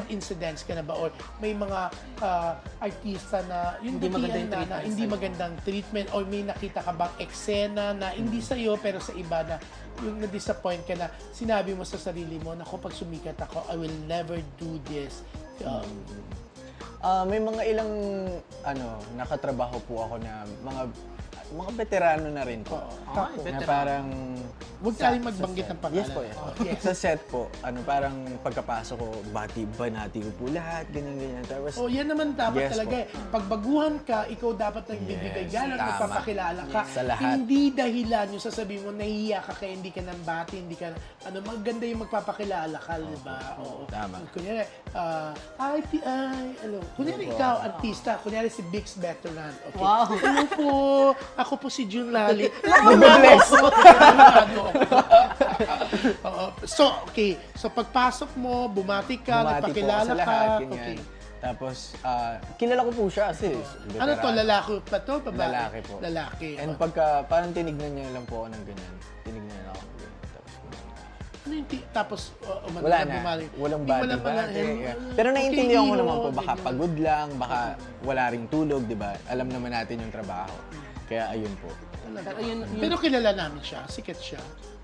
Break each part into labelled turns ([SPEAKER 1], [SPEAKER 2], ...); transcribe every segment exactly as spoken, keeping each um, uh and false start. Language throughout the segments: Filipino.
[SPEAKER 1] incidents ka na ba or may mga ah, artista na yung
[SPEAKER 2] Hindi maganda
[SPEAKER 1] datihan
[SPEAKER 2] yung
[SPEAKER 1] na, na
[SPEAKER 2] treatment
[SPEAKER 1] hindi
[SPEAKER 2] sa'yo.
[SPEAKER 1] magandang treatment or may nakita ka bang eksena na hindi sa'yo pero sa iba na yung na-disappoint ka na sinabi mo sa sarili mo, naku, pag sumikat ako, I will never do this. Um,
[SPEAKER 3] Ah, may mga ilang ano, nakatrabaho po ako na mga mga veterano na rin po.
[SPEAKER 1] Tapos,
[SPEAKER 3] Na
[SPEAKER 2] veterano.
[SPEAKER 3] parang
[SPEAKER 1] huwag
[SPEAKER 3] sa-
[SPEAKER 1] tayong magbanggit
[SPEAKER 3] sa
[SPEAKER 1] ng
[SPEAKER 3] set.
[SPEAKER 1] pangalan.
[SPEAKER 3] Yes po, yes.
[SPEAKER 1] Oh, yes.
[SPEAKER 3] Sa set po, ano parang pagkapasok ko, bati ba natin ko po lahat, ganyan ganyan. Tapos
[SPEAKER 1] Oh, yan naman dapat
[SPEAKER 3] Yes
[SPEAKER 1] talaga
[SPEAKER 3] po.
[SPEAKER 1] eh. Pag baguhan ka, ikaw dapat nagbibigay
[SPEAKER 3] Yes,
[SPEAKER 1] galang,
[SPEAKER 3] tama.
[SPEAKER 1] magpapakilala ka.
[SPEAKER 3] Yes, sa lahat.
[SPEAKER 1] Hindi dahilan yung sasabihin mo, nahihiya ka kaya hindi ka nang bati, hindi ka, ano, maganda yung magpapakilala ka, di ba? Oo.
[SPEAKER 3] Tama.
[SPEAKER 1] Kunyari, ah, ay, ti, ay, ano, kunyari ikaw, artista, kunyari si Bix Veteran. Okay.
[SPEAKER 2] Wow.
[SPEAKER 1] Ano po, ako po si June Lali.
[SPEAKER 3] Magbe-bless.
[SPEAKER 1] Oo. So, okay. So, pagpasok mo, bumati ka,
[SPEAKER 3] Bumati po
[SPEAKER 1] nagpakilala
[SPEAKER 3] ako sa
[SPEAKER 1] ka.
[SPEAKER 3] lahat, ganyan.
[SPEAKER 1] Okay.
[SPEAKER 3] Tapos, ah, kilala ko po siya kasi
[SPEAKER 1] Ano to,
[SPEAKER 3] veterano.
[SPEAKER 1] lalaki pa to? Babae?
[SPEAKER 3] Lalaki po.
[SPEAKER 1] Lalaki.
[SPEAKER 3] And
[SPEAKER 1] Oh.
[SPEAKER 3] pagka, parang tinignan niya lang po ako ng ganyan. Tinignan niya ako ng ganyan. Tapos,
[SPEAKER 1] Ano yung ti- tapos, uh, umano
[SPEAKER 3] wala
[SPEAKER 1] ka,
[SPEAKER 3] na.
[SPEAKER 1] bumali.
[SPEAKER 3] Walang
[SPEAKER 1] Hindi,
[SPEAKER 3] bati
[SPEAKER 1] wala pala.
[SPEAKER 3] bati.
[SPEAKER 1] Eh,
[SPEAKER 3] yeah.
[SPEAKER 1] uh,
[SPEAKER 3] Pero
[SPEAKER 1] okay,
[SPEAKER 3] naiintindihan ko
[SPEAKER 1] hero,
[SPEAKER 3] naman po, baka
[SPEAKER 1] ganyan.
[SPEAKER 3] pagod lang, baka wala ring tulog, di ba? Alam naman natin yung trabaho. Kaya ayun po.
[SPEAKER 1] Talaga.
[SPEAKER 2] Pero yun, yun,
[SPEAKER 1] Pero kilala namin siya. Sikat siya.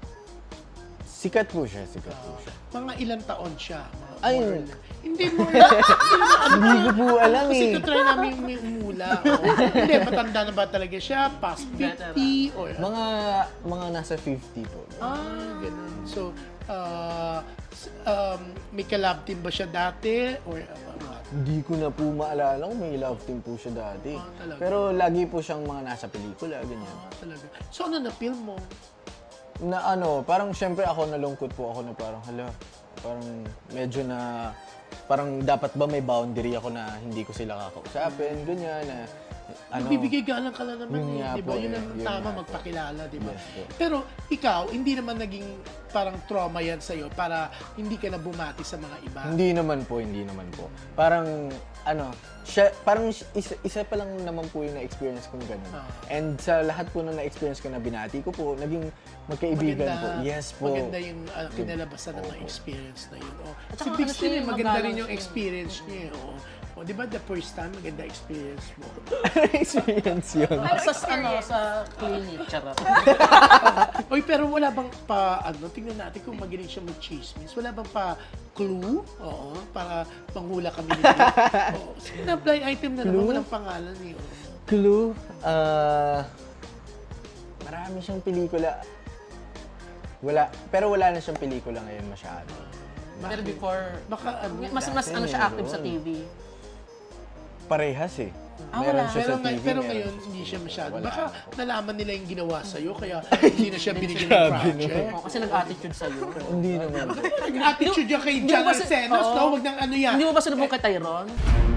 [SPEAKER 3] Sikat po siya, sikat po siya.
[SPEAKER 1] Mga ilang taon siya. Mga
[SPEAKER 3] Ay.
[SPEAKER 1] more or less. Hindi mo na.
[SPEAKER 3] Hindi ko po alam
[SPEAKER 1] Kasi
[SPEAKER 3] eh.
[SPEAKER 1] try namin may umula. Oh. Hindi, matanda na ba talaga siya? Past fifty? Or
[SPEAKER 3] Mga, mga nasa fifty po.
[SPEAKER 1] Ah, ganun. So, uh, s- um, may collab team ba siya dati? Or uh, what?
[SPEAKER 3] Hindi ko na po maalala kung may love team po siya dati.
[SPEAKER 1] Ah, talaga?
[SPEAKER 3] Pero lagi po siyang mga nasa pelikula, ganyan.
[SPEAKER 1] Ah, talaga. So, ano na film mo?
[SPEAKER 3] Na ano, parang syempre ako nalungkot po ako na parang, hala, parang medyo na, parang dapat ba may boundary ako na hindi ko sila kakausapin, ganyan, na, ano.
[SPEAKER 1] Nagbibigay galang ka lang naman
[SPEAKER 3] Yun
[SPEAKER 1] eh,
[SPEAKER 3] nga
[SPEAKER 1] di ba?
[SPEAKER 3] po
[SPEAKER 1] Yun
[SPEAKER 3] eh,
[SPEAKER 1] ang
[SPEAKER 3] yun
[SPEAKER 1] tama,
[SPEAKER 3] nga po.
[SPEAKER 1] magpakilala, di ba?
[SPEAKER 3] Yes po.
[SPEAKER 1] Pero ikaw, hindi naman naging parang trauma yan sa'yo para hindi ka na bumati sa mga iba.
[SPEAKER 3] Hindi naman po, hindi naman po. Parang, ano, siya, parang isa, isa pa lang naman po yung na-experience kong ganun.
[SPEAKER 1] Ah.
[SPEAKER 3] And sa lahat po na na-experience ko na binati ko po, naging magkaibigan po. Yes po.
[SPEAKER 1] Maganda yung uh, kinalabasan ng mga experience na yun. Oh.
[SPEAKER 2] At
[SPEAKER 1] Si
[SPEAKER 2] saka
[SPEAKER 1] Bix
[SPEAKER 2] ano siya,
[SPEAKER 1] din, eh, maganda
[SPEAKER 2] magalang
[SPEAKER 1] rin yung
[SPEAKER 2] siya.
[SPEAKER 1] experience niya. eh, Oh. Oh, di ba the first time, maganda experience mo?
[SPEAKER 3] experience yun.
[SPEAKER 2] sa, ano, sa clinic, charot.
[SPEAKER 1] Oy, pero wala bang pa, ano, tingnan natin kung magaling siya mag-chismis. Wala bang pa clue? Oo, para panghula kami nito. Oo. Sige na, blind item na naman,
[SPEAKER 3] Clue?
[SPEAKER 1] walang pangalan eh. Oh.
[SPEAKER 3] Clue? Ah... marami siyang pelikula. Wala, pero wala na siyang pelikula ngayon masyado.
[SPEAKER 2] Pero before,
[SPEAKER 1] Baka ano,
[SPEAKER 2] mas mas ano siya active sa T V.
[SPEAKER 3] Parehas eh.
[SPEAKER 2] Ah,
[SPEAKER 3] Meron
[SPEAKER 2] wala.
[SPEAKER 3] siya
[SPEAKER 1] pero,
[SPEAKER 3] sa T V,
[SPEAKER 1] ngay- pero
[SPEAKER 3] meron
[SPEAKER 1] ngayon,
[SPEAKER 3] siya sa
[SPEAKER 1] hindi
[SPEAKER 3] T V.
[SPEAKER 1] siya masyado.
[SPEAKER 3] Wala
[SPEAKER 1] Baka
[SPEAKER 3] na po.
[SPEAKER 1] nalaman nila yung ginawa sa'yo, kaya hindi na siya binigyan ng project.
[SPEAKER 2] Oh, kasi nag-attitude sa'yo.
[SPEAKER 3] Hindi naman.
[SPEAKER 1] Nag-attitude niya kay
[SPEAKER 2] Hindi mo
[SPEAKER 1] John
[SPEAKER 2] ba si-
[SPEAKER 1] Arsenos,
[SPEAKER 2] Oo.
[SPEAKER 1] no? Huwag nang ano yan.
[SPEAKER 2] Hindi mo ba sinubong kay Tyron?